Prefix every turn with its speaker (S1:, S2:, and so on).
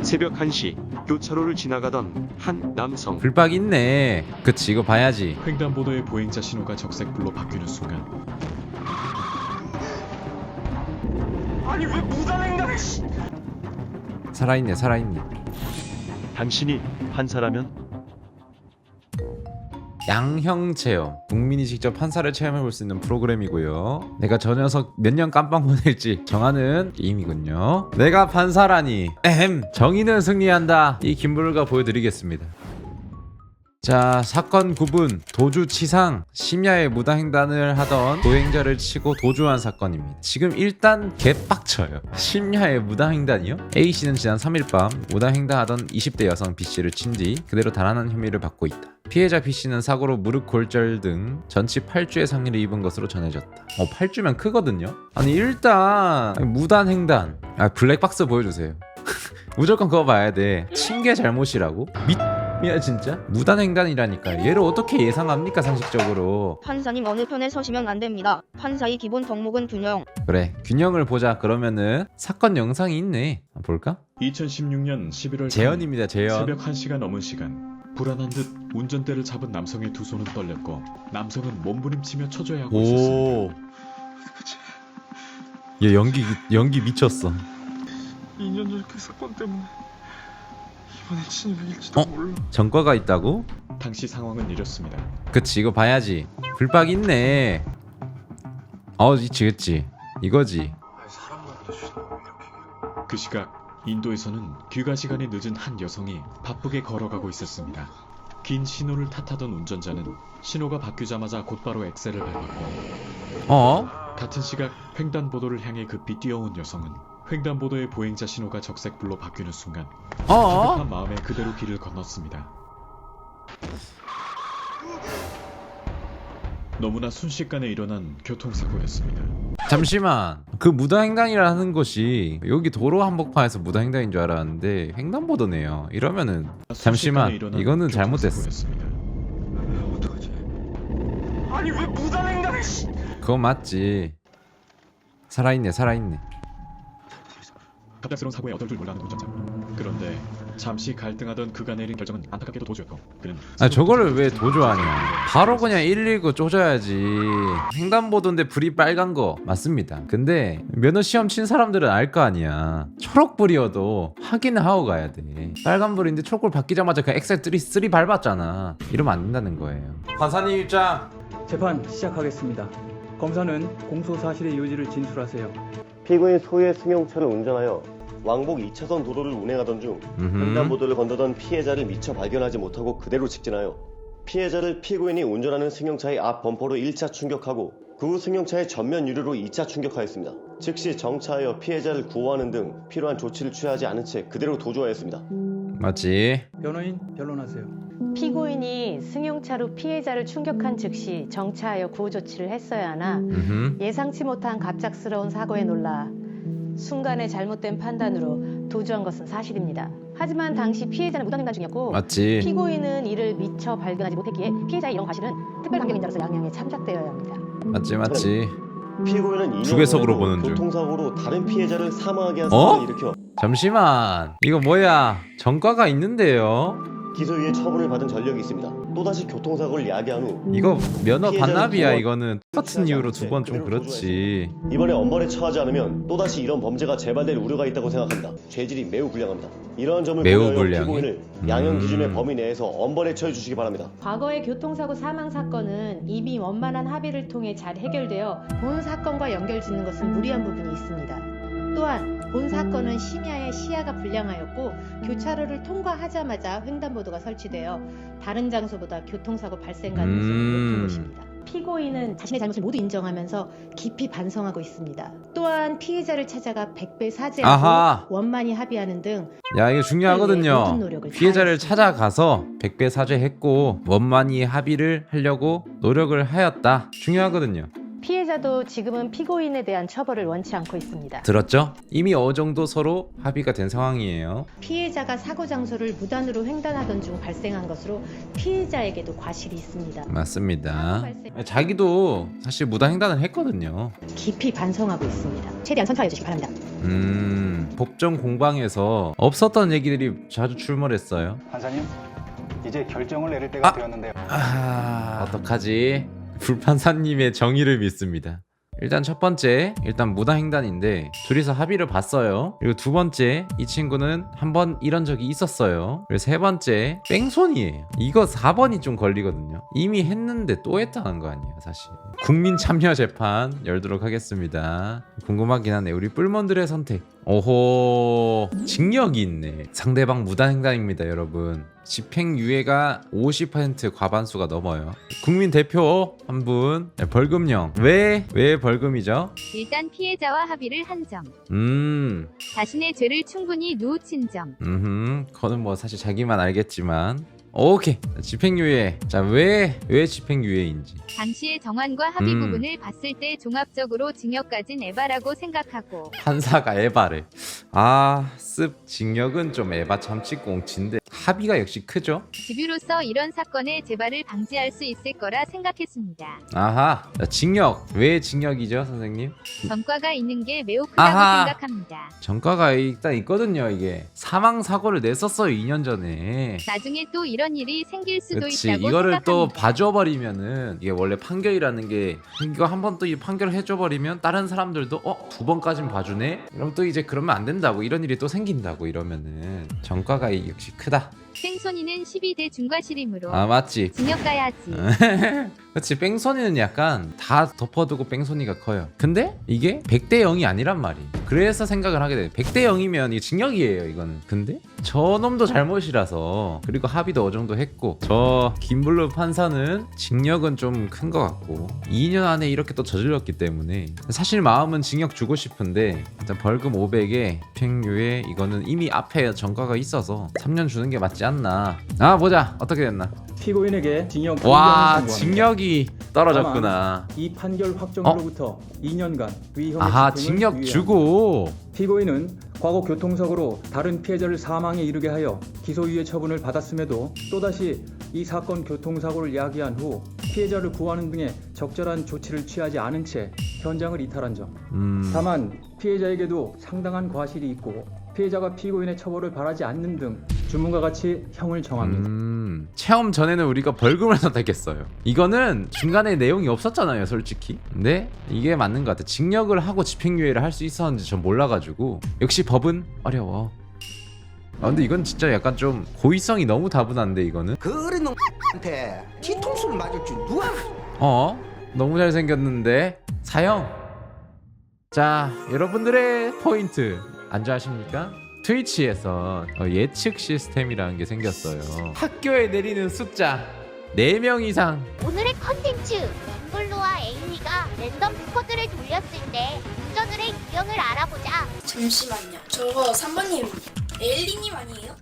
S1: 새벽 1시 교차로를 지나가던 한 남성.
S2: 불박 있네. 그치, 이거 봐야지.
S3: 횡단보도의 보행자 신호가 적색불로 바뀌는 순간
S1: 아니 왜 무단횡단을?
S2: 살아있네, 살아있네.
S1: 당신이 판사라면?
S2: 양형 체험. 국민이 직접 판사를 체험해볼 수 있는 프로그램이고요. 내가 저 녀석 몇 년 깜빵 보낼지 정하는 게임이군요. 내가 판사라니. 정의는 승리한다. 이 김부를가 보여드리겠습니다. 자, 사건 구분. 도주치상. 심야에 무단횡단을 하던 도행자를 치고 도주한 사건입니다. 지금 일단 개빡쳐요. 심야에 무단횡단이요? A씨는 지난 3일 밤 무단횡단하던 20대 여성 B씨를 친 뒤 그대로 달아난 혐의를 받고 있다. 피해자 B씨는 사고로 무릎 골절 등 전치 8주의 상해를 입은 것으로 전해졌다. 8주면 크거든요? 아니 일단 무단횡단. 블랙박스 보여주세요. 무조건 그거 봐야 돼. 친 게 잘못이라고? 야 진짜? 무단횡단이라니까. 얘를 어떻게 예상합니까 상식적으로.
S4: 판사님 어느 편에 서시면 안 됩니다. 판사의 기본 덕목은 균형.
S2: 그래, 균형을 보자. 그러면은 사건 영상이 있네. 볼까?
S3: 2016년 11월
S2: 재현입니다. 재현.
S3: 새벽 1시가 넘은 시간 불안한 듯 운전대를 잡은 남성의 두 손은 떨렸고 남성은 몸부림치며 처져야 하고 있었습니다.
S2: 얘 연기 미쳤어.
S5: 2년 전 그 사건 때문에 이번에 진입일지도 몰라.
S2: 전과가 있다고?
S3: 당시 상황은 이렇습니다.
S2: 그치, 이거 봐야지. 불박 있네. 그치 이거지.
S5: 사람 만드시는 이렇게.
S3: 그 시각 인도에서는 귀가 시간이 늦은 한 여성이 바쁘게 걸어가고 있었습니다. 긴 신호를 탓하던 운전자는 신호가 바뀌자마자 곧바로 엑셀을 밟았고 같은 시각 횡단보도를 향해 급히 뛰어온 여성은 횡단보도의 보행자 신호가 적색불로 바뀌는 순간 급한 마음에 그대로 길을 건넜습니다. 너무나 순식간에 일어난 교통사고였습니다.
S2: 잠시만, 그 무단횡단이라는 것이 여기 도로 한복판에서 무단횡단인 줄 알았는데 횡단보도네요. 이러면은 잠시만, 이거는 잘못됐어.
S3: 교통사고였습니다.
S5: 어떡하지?
S1: 아니 왜 무단횡단을?
S2: 그건 맞지. 살아있네.
S3: 갑작스러운 사고에 어쩔 줄 몰라하는 운전자. 그런데 잠시 갈등하던 그가 내린 결정은 안타깝게도 도주였고 그는
S2: 저거를 왜 도주하냐. 바로 그냥 119 쪼져야지. 횡단보도인데 불이 빨간 거 맞습니다. 근데 면허 시험 친 사람들은 알 거 아니야. 초록불이어도 확인을 하고 가야 돼. 빨간불인데 초록불 바뀌자마자 그 엑셀 3 밟았잖아. 이러면 안 된다는 거예요. 판사님 입장.
S6: 재판 시작하겠습니다. 검사는 공소 사실의 요지를 진술하세요.
S7: 피고인 소유의 승용차를 운전하여 왕복 2차선 도로를 운행하던 중 횡단보도를 건너던 피해자를 미처 발견하지 못하고 그대로 직진하여 피해자를 피고인이 운전하는 승용차의 앞 범퍼로 1차 충격하고 그 후 승용차의 전면 유리로 2차 충격하였습니다. 즉시 정차하여 피해자를 구호하는 등 필요한 조치를 취하지 않은 채 그대로 도주하였습니다.
S2: 맞지?
S6: 변호인 변론하세요.
S8: 피고인이 승용차로 피해자를 충격한 즉시 정차하여 구호 조치를 했어야 하나 예상치 못한 갑작스러운 사고에 놀라 순간의 잘못된 판단으로 도주한 것은 사실입니다. 하지만 당시 피해자는 무단횡단 중이었고
S2: 맞지?
S8: 피고인은 이를 미처 발견하지 못했기에 피해자의 이런 과실은 특별감경인자로서 양형에 참작되어야 합니다.
S2: 맞지?
S7: 피고인은 2년
S2: 주계석으로
S7: 전에도
S2: 보는 중.
S7: 교통사고로 다른 피해자를 사망하게 한 사건을 일으켜
S2: 잠시만, 이거 뭐야? 전과가 있는데요?
S7: 기소유예 처분을 받은 전력이 있습니다. 또다시 교통사고를 야기한 후
S2: 이거 면허
S7: 피해자는
S2: 반납이야.
S7: 두번
S2: 이거는 똑같은 이유로 두 번 좀 그렇지.
S7: 이번에 엄벌에 처하지 않으면 또다시 이런 범죄가 재발될 우려가 있다고 생각합니다. 죄질이 매우 불량합니다. 이러한 점을
S2: 매우
S7: 고려하여
S2: 불량해?
S7: 피고인을 양형 기준의 범위 내에서 엄벌에 처해 주시기 바랍니다.
S8: 과거의 교통사고 사망 사건은 이미 원만한 합의를 통해 잘 해결되어 본 사건과 연결짓는 것은 무리한 부분이 있습니다. 또한 본 사건은 심야에 시야가 불량하였고 교차로를 통과하자마자 횡단보도가 설치되어 다른 장소보다 교통사고 발생 가능성이 높은 곳입니다. 피고인은 자신의 잘못을 모두 인정하면서 깊이 반성하고 있습니다. 또한 피해자를 찾아가 100배 사죄하고 원만히 합의하는 등
S2: 야, 이거 중요하거든요.
S8: 모든 노력을
S2: 피해자를
S8: 다했습니다.
S2: 찾아가서 100배 사죄했고 원만히 합의를 하려고 노력을 하였다. 중요하거든요.
S8: 피해자도 지금은 피고인에 대한 처벌을 원치 않고 있습니다.
S2: 들었죠? 이미 어느 정도 서로 합의가 된 상황이에요.
S8: 피해자가 사고 장소를 무단으로 횡단하던 중 발생한 것으로 피해자에게도 과실이 있습니다.
S2: 맞습니다. 자기도 사실 무단횡단을 했거든요.
S8: 깊이 반성하고 있습니다. 최대한 선처해 주시기 바랍니다.
S2: 법정 공방에서 없었던 얘기들이 자주 출몰했어요.
S9: 판사님, 이제 결정을 내릴 때가
S2: 아!
S9: 되었는데요.
S2: 어떡하지? 불판사님의 정의를 믿습니다. 일단 첫 번째, 무단횡단인데 둘이서 합의를 봤어요. 그리고 두 번째, 이 친구는 한번 이런 적이 있었어요. 그리고 세 번째, 뺑소니예요. 이거 4번이 좀 걸리거든요. 이미 했는데 또 했다는 거 아니에요, 사실. 국민 참여 재판 열도록 하겠습니다. 궁금하긴 하네. 우리 뿔몬들의 선택. 오호, 징역이 있네. 상대방 무단횡단입니다, 여러분. 집행유예가 50% 과반수가 넘어요. 국민 대표 한 분, 벌금형. 왜 벌금이죠?
S10: 일단 피해자와 합의를 한 점. 자신의 죄를 충분히 누우친 점.
S2: 그거는 뭐 사실 자기만 알겠지만. 오케이, 집행유예. 자, 왜 집행유예인지.
S10: 당시의 정황과 합의 부분을 봤을 때 종합적으로 징역까진 에바라고 생각하고.
S2: 판사가 에바래. 징역은 좀 에바 참치꽁치인데 합의가 역시 크죠?
S10: 집유로서 이런 사건의 재발을 방지할 수 있을 거라 생각했습니다.
S2: 아하, 자, 징역. 왜 징역이죠, 선생님?
S10: 전과가 있는 게 매우 크다고 생각합니다.
S2: 전과가 일단 있거든요. 이게 사망사고를 냈었어요, 2년 전에.
S10: 나중에 또 이런 일이 생길 수도
S2: 그치,
S10: 있다고
S2: 이거를
S10: 생각합니다.
S2: 또 봐줘버리면은 이게 원래 판결이라는 게 이거 한 번 또 이 판결을 해줘버리면 다른 사람들도 2번까진 봐주네? 그럼 또 이제 그러면 안 된다고, 이런 일이 또 생긴다고 이러면은 전과가 역시 크다.
S10: 뺑소니는 12대 중과실이므로
S2: 맞지.
S10: 징역 가야지.
S2: 그치, 뺑소니는 약간 다 덮어두고 뺑소니가 커요. 근데 이게 100대 0이 아니란 말이에요. 그래서 생각을 하게 돼요. 100대 0이면 이게 징역이에요, 이거는. 근데 저놈도 잘못이라서, 그리고 합의도 어느 정도 했고, 저 김블루 판사는 징역은 좀 큰 것 같고 2년 안에 이렇게 또 저질렀기 때문에 사실 마음은 징역 주고 싶은데 일단 벌금 500에 집행유예, 이거는 이미 앞에 전과가 있어서 3년 주는 게 맞지 않나. 보자 어떻게 됐나.
S6: 피고인에게 징역
S2: 와,
S6: 2년을 선고합니다.
S2: 징역이 떨어졌구나.
S6: 이 판결 확정으로부터 2년간 위형의 집행을
S2: 징역
S6: 유예합니다.
S2: 주고.
S6: 피고인은 과거 교통사고로 다른 피해자를 사망에 이르게 하여 기소유예 처분을 받았음에도 또다시 이 사건 교통사고를 야기한 후 피해자를 구하는 등의 적절한 조치를 취하지 않은 채 현장을 이탈한 점. 다만 피해자에게도 상당한 과실이 있고 피해자가 피고인의 처벌을 바라지 않는 등 주문과 같이 형을 정합니다.
S2: 체험 전에는 우리가 벌금을 선택했어요. 이거는 중간에 내용이 없었잖아요, 솔직히. 근데 이게 맞는 것 같아. 징역을 하고 집행유예를 할 수 있었는지 전 몰라가지고. 역시 법은 어려워. 근데 이건 진짜 약간 좀 고의성이 너무 다분한데, 이거는.
S11: 그런 놈한테 뒤통수를 맞을 줄 누가.
S2: 너무 잘생겼는데 사형. 자, 여러분들의 포인트 안좋아하십니까? 트위치에서 예측 시스템이라는 게 생겼어요. 학교에 내리는 숫자 4명 이상.
S12: 오늘의 컨텐츠, 블루와 에이미가 랜덤 스쿼드를 돌렸을 때 운전을 해 유형을 알아보자.
S13: 잠시만요. 저거 3번님 엘리님 아니에요?